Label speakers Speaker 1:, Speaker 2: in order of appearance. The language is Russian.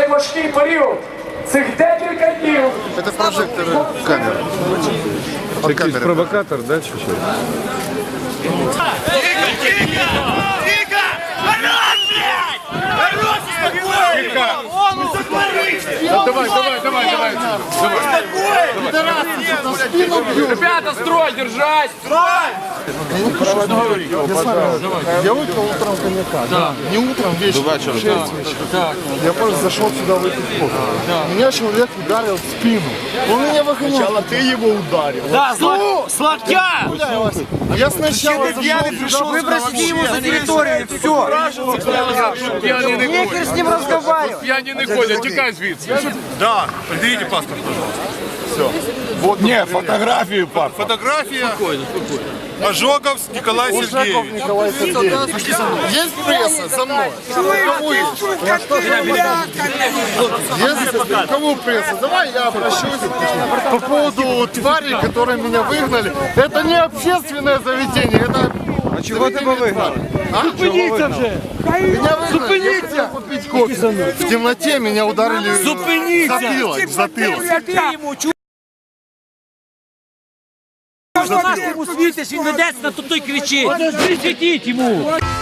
Speaker 1: важкий період. Цих декілька днів.
Speaker 2: Это прожектор камеры. От камеры.
Speaker 3: Провокатор, да, чуть-чуть?
Speaker 1: Ребята, строй, держать!
Speaker 2: Я выпил утром коньяка. Да. Не утром, вечером. 6 вечера. Я просто зашел сюда выпить кофе. Меня человек ударил в спину. Он меня выгонял. Сначала ты его ударил.
Speaker 4: Да, с локтя!
Speaker 2: Я сначала пришел,
Speaker 4: Выбросите его за территорию, все. Нехер с ним разговаривать.
Speaker 3: Пьяні не ходять, тікай звідси.
Speaker 5: Да, предъявите паспорт, пожалуйста.
Speaker 2: Вот, не, фотографию, папа.
Speaker 5: Фотография. Ожогов Николай Сергеевич.
Speaker 2: Николай Сергеевич. Есть пресса за мной? Кому есть? Есть? Кому пресса? Давай я обращусь по поводу тварей, которые меня выгнали. Это не общественное заведение, это...
Speaker 3: А чого тебе вигнали?
Speaker 2: Зупиніться вже! Меня выгнали, я хотел купить кофе. В темноте меня ударили в затылок.
Speaker 4: Можна нас йому світиш, він ведеться, на той кричить. Світіть йому!